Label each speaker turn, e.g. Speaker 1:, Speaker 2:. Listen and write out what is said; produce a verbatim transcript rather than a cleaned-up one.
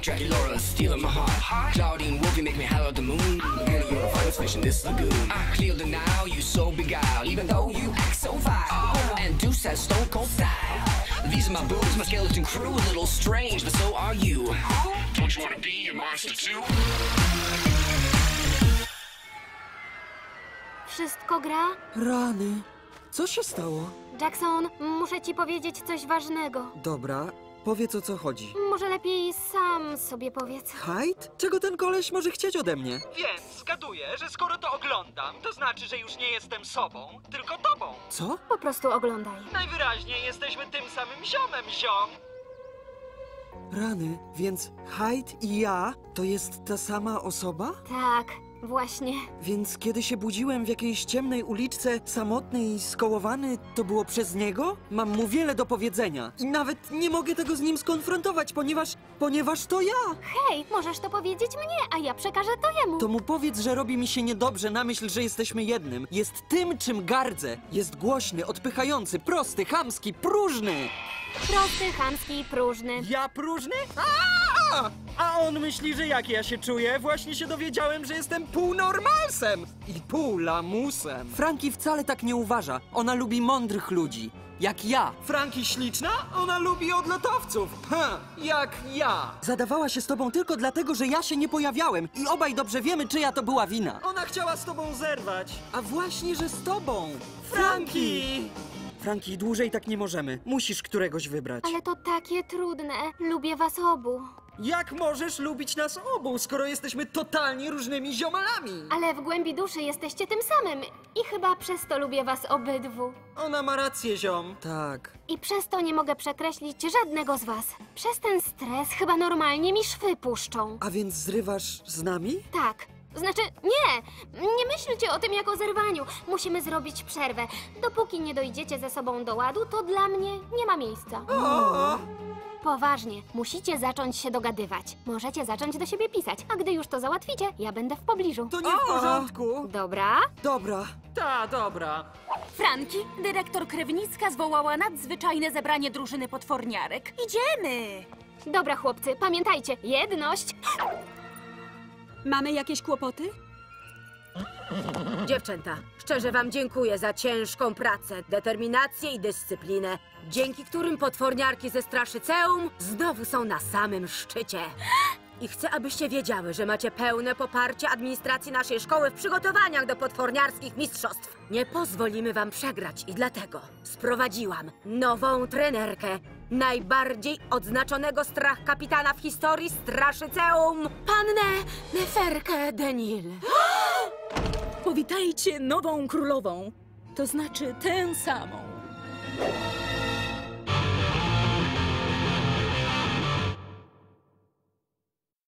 Speaker 1: Dracula stealing my heart. Claudine Wolf, you make me holler at the moon. Girl, you're a finest fish in this lagoon. I clear the now, you so beguiled, even though you act so vile. And Deuce has stone cold style. These are my boobs, my skeleton crew, a little strange, but so are you. Don't you wanna be a monster too?
Speaker 2: Wszystko gra?
Speaker 3: Rany. Co się stało?
Speaker 2: Jackson, muszę ci powiedzieć coś ważnego.
Speaker 3: Dobra, powiedz o co chodzi.
Speaker 2: Może lepiej sam sobie powiedz.
Speaker 3: Hyde? Czego ten koleś może chcieć ode mnie?
Speaker 4: Więc zgaduję, że skoro to oglądam, to znaczy, że już nie jestem sobą, tylko tobą.
Speaker 3: Co?
Speaker 2: Po prostu oglądaj.
Speaker 4: Najwyraźniej jesteśmy tym samym ziomem, ziom.
Speaker 3: Rany, więc Hyde i ja to jest ta sama osoba?
Speaker 2: Tak, właśnie.
Speaker 3: Więc kiedy się budziłem w jakiejś ciemnej uliczce, samotny i skołowany, to było przez niego? Mam mu wiele do powiedzenia. I nawet nie mogę tego z nim skonfrontować, ponieważ... ponieważ to ja!
Speaker 2: Hej, możesz to powiedzieć mnie, a ja przekażę to jemu.
Speaker 3: To mu powiedz, że robi mi się niedobrze na myśl, że jesteśmy jednym. Jest tym, czym gardzę. Jest głośny, odpychający, prosty, chamski, próżny!
Speaker 2: Prosty, chamski i próżny.
Speaker 3: Ja próżny? A! A on myśli, że jak ja się czuję? Właśnie się dowiedziałem, że jestem pół normalsem i pół lamusem. Franki wcale tak nie uważa. Ona lubi mądrych ludzi. Jak ja. Franki śliczna? Ona lubi odlotowców. Ha, jak ja. Zadawała się z tobą tylko dlatego, że ja się nie pojawiałem. I obaj dobrze wiemy, czyja to była wina. Ona chciała z tobą zerwać. A właśnie, że z tobą. Franki! Franki, dłużej tak nie możemy. Musisz któregoś wybrać.
Speaker 2: Ale to takie trudne. Lubię was obu.
Speaker 3: Jak możesz lubić nas obu, skoro jesteśmy totalnie różnymi ziomalami?
Speaker 2: Ale w głębi duszy jesteście tym samym. I chyba przez to lubię was obydwu.
Speaker 3: Ona ma rację, ziom. Tak.
Speaker 2: I przez to nie mogę przekreślić żadnego z was. Przez ten stres chyba normalnie mi szwy puszczą.
Speaker 3: A więc zrywasz z nami?
Speaker 2: Tak. Znaczy, nie! Nie myślcie o tym jak o zerwaniu. Musimy zrobić przerwę. Dopóki nie dojdziecie ze sobą do ładu, to dla mnie nie ma miejsca.
Speaker 3: O!
Speaker 2: Poważnie, musicie zacząć się dogadywać. Możecie zacząć do siebie pisać, a gdy już to załatwicie, ja będę w pobliżu.
Speaker 3: To nie w porządku.
Speaker 2: Dobra?
Speaker 3: Dobra.
Speaker 4: Ta, dobra.
Speaker 5: Franki, dyrektor Krewnicka zwołała nadzwyczajne zebranie drużyny potworniarek. Idziemy!
Speaker 2: Dobra, chłopcy, pamiętajcie, jedność!
Speaker 5: Mamy jakieś kłopoty?
Speaker 6: Dziewczęta, szczerze wam dziękuję za ciężką pracę, determinację i dyscyplinę, dzięki którym potworniarki ze Straszyceum znowu są na samym szczycie. I chcę, abyście wiedziały, że macie pełne poparcie administracji naszej szkoły w przygotowaniach do potworniarskich mistrzostw. Nie pozwolimy wam przegrać i dlatego sprowadziłam nową trenerkę, najbardziej odznaczonego strach kapitana w historii Straszyceum, pannę Neferkę Denil.
Speaker 5: Powitajcie nową królową, to znaczy tę samą.